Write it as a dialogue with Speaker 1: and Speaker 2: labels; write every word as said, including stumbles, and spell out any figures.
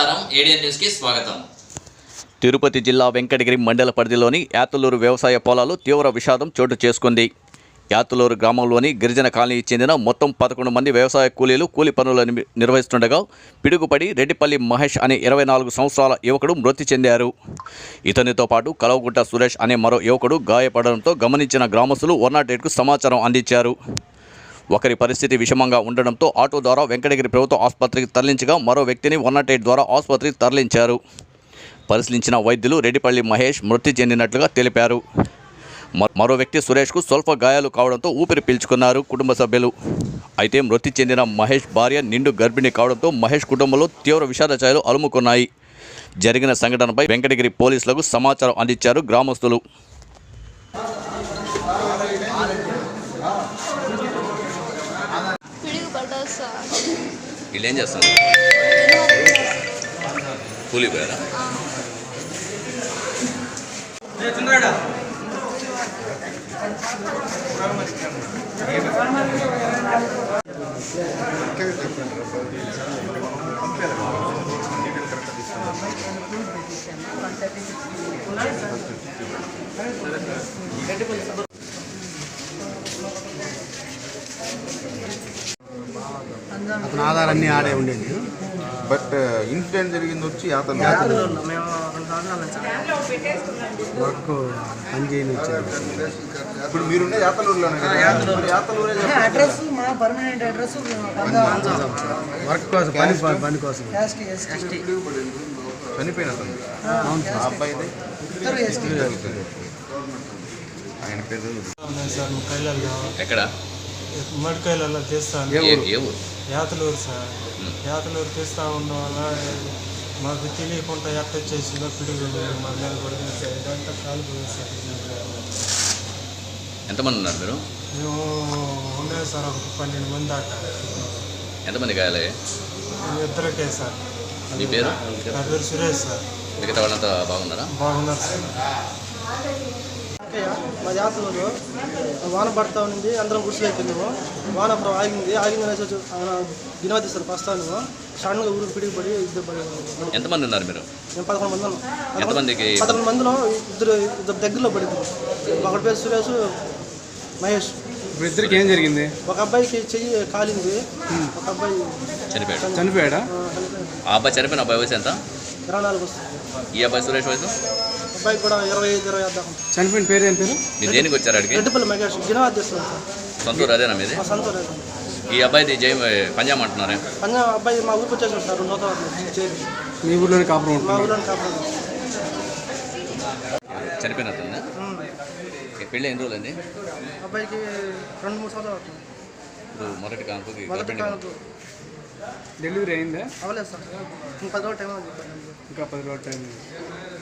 Speaker 1: నమస్కారం ఏడియన్ న్యూస్ కి స్వాగతం.
Speaker 2: తిరుపతి జిల్లా వెంకటగిరి మండల పరిధిలోని యాతులూరు వ్యవసాయ పొలాలు తీవ్ర విషాదం చోటు చేసుకుంది. యాతులూరు గ్రామంలోని గిరిజన కాలనీకి చెందిన మొత్తం పదకొండు మంది వ్యవసాయ కూలీలు కూలి పనులను నిర్వహిస్తుండగా పిడుగుపడి రెడ్డిపల్లి మహేష్ అనే ఇరవై నాలుగు సంవత్సరాల యువకుడు మృతి చెందారు. ఇతనితో పాటు కలవగుంట సురేష్ అనే మరో యువకుడు గాయపడడంతో గమనించిన గ్రామస్తులు వన్ నాట్ ఎయిట్కు సమాచారం అందించారు. ఒకరి పరిస్థితి విషమంగా ఉండడంతో ఆటో ద్వారా వెంకటగిరి ప్రభుత్వ ఆసుపత్రికి తరలించగా మరో వ్యక్తిని వన్ నాట్ ఎయిట్ ద్వారా ఆసుపత్రికి తరలించారు. పరిశీలించిన వైద్యులు రెడ్డిపల్లి మహేష్ మృతి చెందినట్లుగా తెలిపారు. మరో వ్యక్తి సురేష్కు స్వల్ప గాయాలు కావడంతో ఊపిరి పీల్చుకున్నారు కుటుంబ సభ్యులు. అయితే మృతి చెందిన మహేష్ భార్య నిండు గర్భిణి కావడంతో మహేష్ కుటుంబంలో తీవ్ర విషాద ఛాయలు అలుముకున్నాయి. జరిగిన సంఘటనపై వెంకటగిరి పోలీసులకు సమాచారం అందించారు గ్రామస్తులు.
Speaker 1: వీళ్ళు ఏం చేస్తారు? కూలి పోయారా?
Speaker 3: అతని ఆధారాన్ని ఆడే ఉండేది.
Speaker 4: బట్ ఇన్సిడెంట్ జరిగింది వచ్చి యాతలు
Speaker 3: వర్క్ పని చేయని వచ్చింది.
Speaker 4: ఇప్పుడు మీరుండే యాతలూరులోనే కదా? యాతలూరే
Speaker 5: అడ్రస్ మా పర్మనెంట్ అడ్రస్
Speaker 3: వర్క్ కోసం పని పని కోసం
Speaker 4: చనిపోయిన అతను ఆ అబ్బాయి ఆయన పేరు
Speaker 6: సార్ కైలలో
Speaker 1: ఎక్కడ?
Speaker 6: మడికాయలలో తీస్తాను.
Speaker 1: ఏ ఊరు?
Speaker 6: యాతలూరు సార్. యాతలూరు తీస్తూ ఉండడం వల్ల మాకు తెలియకుండా ఎట్ట వచ్చేసిందో పిడుగు మా మీద పడుతుంది సార్. ఇదంతా కాలిపోయింది సార్.
Speaker 1: ఎంతమంది ఉన్నారు మీరు?
Speaker 6: మేము ఉండేది సార్ ఒక పన్నెండు మంది దాకా.
Speaker 1: ఎంతమంది గాయాలయ్యా?
Speaker 6: ఇద్దరికే సార్.
Speaker 1: మీ పేరు?
Speaker 6: నా పేరు సురేష్ సార్.
Speaker 1: మిగతా వాళ్ళంతా బాగున్నారా?
Speaker 6: బాగున్నారు సార్.
Speaker 5: మా జాతరలో వాన పడతా ఉంది. అందరం గుడిసెలు అయిపోయిందేమో. వాన అప్పుడు ఆగింది. ఆగింది అనేసి దినవతి సార్ వస్తాను. సడన్గా ఊరికి పిడికి పడి ఇద్దరు పడి.
Speaker 1: ఎంతమంది ఉన్నారు మీరు?
Speaker 5: మేము పదకొండు మంది ఉన్నాం.
Speaker 1: ఎంతమందికి?
Speaker 5: పదకొండు మందిలో ఇద్దరు ఇద్దరు దగ్గరలో పడింది. ఒకటి పేరు సురేష్, మహేష్.
Speaker 3: ఇద్దరికి ఏం జరిగింది?
Speaker 5: ఒక అబ్బాయికి చెయ్యి కాలింది. ఒక అబ్బాయి
Speaker 1: చనిపోయాడు.
Speaker 3: చనిపోయాడా?
Speaker 1: ఆ అబ్బాయి చనిపోయిన అబ్బాయి వయసు ఎంత?
Speaker 5: ఇరవై నాలుగు వస్తుంది.
Speaker 1: ఈ అబ్బాయి సురేష్ వయసు?
Speaker 5: అబ్బాయి కూడా ఇరవై ఐదు ఇరవై ఐదు దాకా.
Speaker 3: చనిపోయిన పేరు ఏం పేరు?
Speaker 1: మీరు దేనికి వచ్చారు అడిగి?
Speaker 5: రెడ్డిపల్లి మహేష్ గినవాది చేస్తున్నాం సార్.
Speaker 1: సొంతూరు అదేనా మీది?
Speaker 5: మా సొంత రేటు.
Speaker 1: ఈ అబ్బాయిది జై పంజాబ్ అంటున్నారే?
Speaker 5: పంజాబ్ అబ్బాయి మా ఊరికి వచ్చేసాడు సార్. రెండు సంవత్సరాలు చేరి
Speaker 3: మీ ఊర్లోనే కాపురం
Speaker 5: మా
Speaker 3: ఉంటుంది.
Speaker 5: ఊళ్ళో కాపాడు.
Speaker 1: చనిపోయిన అతను పెళ్ళి ఎన్ని రోజులు అండి?
Speaker 5: అబ్బాయికి రెండు మూడు సంవత్సరాలు అవుతుంది.
Speaker 1: ఇప్పుడు మొదటి కానుకకి
Speaker 5: మొదటి
Speaker 1: గర్భిణి
Speaker 5: కానుక
Speaker 3: డెలివరీ అయిందా?
Speaker 5: అవ్వలేదు సార్. ఇంకా పది రోజులు టైం అని చెప్పాను.
Speaker 3: ఇంకా పది రోజులు టైం.